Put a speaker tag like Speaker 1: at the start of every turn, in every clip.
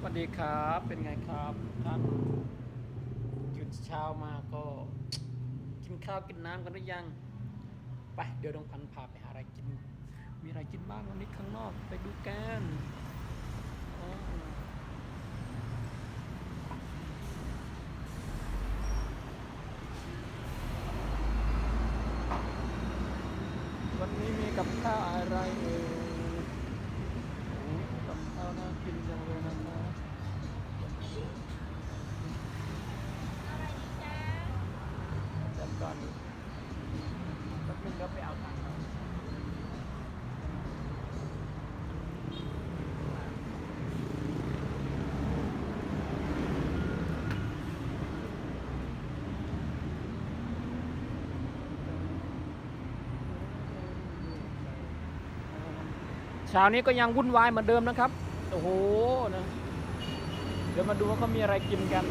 Speaker 1: วัสดีครับเป็นไงครับท่านหยุดเช้ามาก็กินข้าวกินน้ำกันหรือยังไปเดี๋ยวน้องพันธุ์พาไปหาอะไรกินมีอะไรกินบ้างวันนี้ข้างนอกไปดูกันอ๋อวันนี้มีกับข้าวอะไรเอ่ยโอ้กับข้าวน่ากินจังเลยนะครับ จัดก่อนแป๊บนึงก็ไปเอาตังค์ครับเช้านี้ก็ยังวุ่นวายเหมือนเดิมนะครับโอ้โหนะเดี๋ยวมาดูว่าเขามีอะไรกินกัน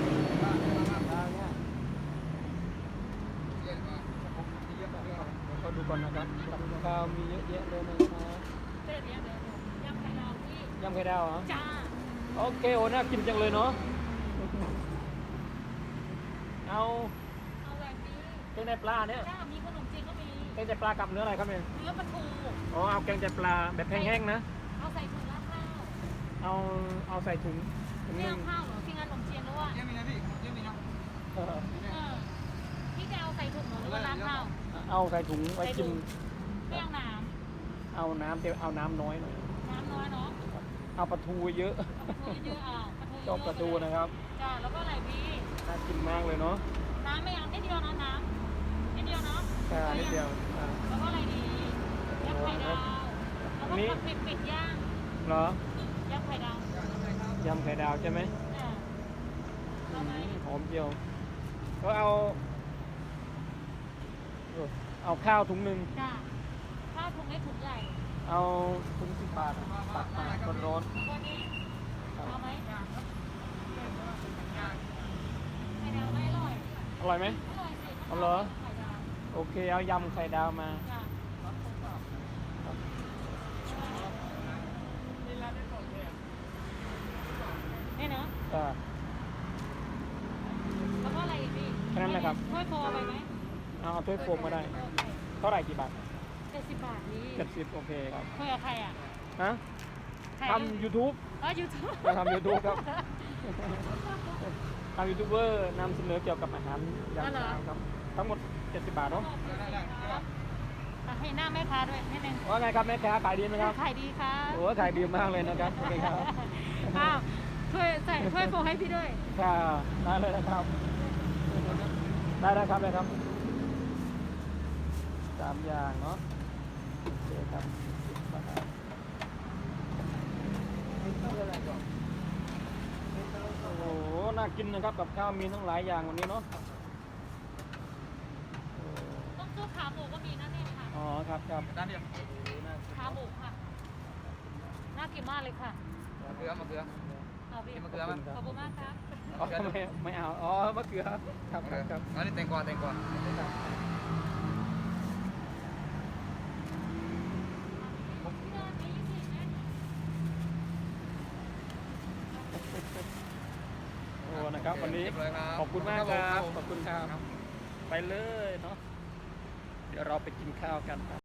Speaker 1: เขาดูก่อนนะครับกับข้าวมีเยอะแยะเลยนะครับ
Speaker 2: เดี๋ยวยำไข่ดาวพี่
Speaker 1: ยำไข่ดาวเหรอ
Speaker 2: จ้า
Speaker 1: โอเคโอ้น่ากินจังเลยเนาะเอา
Speaker 2: แบบนี้
Speaker 1: แกงไตปลาเนี่ย
Speaker 2: จ้ามีขนมจีนก็มี
Speaker 1: แกงไตปลากับเนื้ออะไรครับเนี่ย
Speaker 2: เนื้อปลาทู
Speaker 1: อ๋อเอาแกงไตปลาแบบแห้งๆนะ
Speaker 2: เอาใส่ถุงราดข้าว
Speaker 1: เอาเอาใส่ถุง
Speaker 2: ไม่
Speaker 1: นึง
Speaker 2: เอาข้าวเหรอพี่งานขนมจีนหรือว่า
Speaker 3: เยี่ยมนะพี่เยี่ยมนะ
Speaker 2: พี่จะเอาใส่ถุงหรือว่าราดข้าว
Speaker 1: เอาใส่ถุงไว้กิน
Speaker 2: ไม่เอาน้
Speaker 1: ำเอาน้ำแต่เอาน้ำน้อยหน่อย
Speaker 2: น้ำน้อยเนาะ
Speaker 1: เอาปลาทูเยอะ
Speaker 2: เยอะเอา
Speaker 1: ชอบปลาทูนะครับ
Speaker 2: จ้าแล้วก็อะไรพี่
Speaker 1: น่ากินมากเลยเนาะ
Speaker 2: น้ำไม่เอานิดเดียวนะน้ำนิดเดียวเนาะ
Speaker 1: แค่นิดเดียว
Speaker 2: แล้วก็อะไรดียำไข่ดาวแล้วก็เป็ดย่าง
Speaker 1: เหรอย
Speaker 2: ำไข่ดาวย
Speaker 1: ำไข่ดาวใช่ไหมหอมเจียวก็เอาข้าวถุงหนึ่ง
Speaker 2: จ้าข้าวถุงเล็กถุงใหญ่
Speaker 1: เอาถุง10 บาทตักมาร้อน
Speaker 2: เอาไหมไข่ดาวไม่อร่อย
Speaker 1: อร่อยไหม
Speaker 2: อร่อยสิ
Speaker 1: เอาเหรอโอเคเอายำไข่ดาวมา
Speaker 2: นี่เนาะแล้วก็อะไรอีกพี่
Speaker 1: แค่นั้นนะครับ
Speaker 2: ถ้วยโฟเอาไปไหม
Speaker 1: เอาถ้วยโฟมมาได้เท่าไหร่กี่บาท
Speaker 2: 70 บาทนี่
Speaker 1: 70โอเคครับ
Speaker 2: คุยกับใครอ่ะ
Speaker 1: ฮะทำ YouTube
Speaker 2: YouTube
Speaker 1: ทำ YouTube ครับทำยูทูบเบอร์นำเสนอเกี่ยวกับอาหารอย่างต่างครับทั้งหมด70 บาทเนาะ
Speaker 2: ให้หน้าแม่ค้าด้วยนิดนึง
Speaker 1: ว่าไงครับแม่ค้าขายดีไหมครับ
Speaker 2: ขายดีค่ะ
Speaker 1: โอ้ขายดีมากเลยนะครับโอเคครับ
Speaker 2: อ้าวใส่ถ้วยโฟให้พี่ด้วย
Speaker 1: ค่ะได้เลยนะครับได้ครับเลยครับ3 อย่างเนาะโอเคครับโอ้โหน่ากินนะครับกับข้าวมีทั้งหลายอย่างวันนี้เนาะ
Speaker 2: ต้องซื้อขาหมูก็มีนะเนี่ยค่ะ
Speaker 1: อ๋อครับ
Speaker 3: ด้านเดียว
Speaker 2: ขาหมูค่ะน่ากินมากเลยค่ะ
Speaker 3: มะเขือ
Speaker 2: เอาพี่
Speaker 3: มะเขือมั้ย
Speaker 2: ขอบคุณมากครับ
Speaker 1: อ๋อไม่เอาอ๋อมะเขือครับ
Speaker 3: อันนี้แตงกวา
Speaker 1: โอ้นะครับวันนี้ขอบคุณมากครับขอบคุณครับไปเลยเนาะเดี๋ยวเราไปกินข้าวกันครับ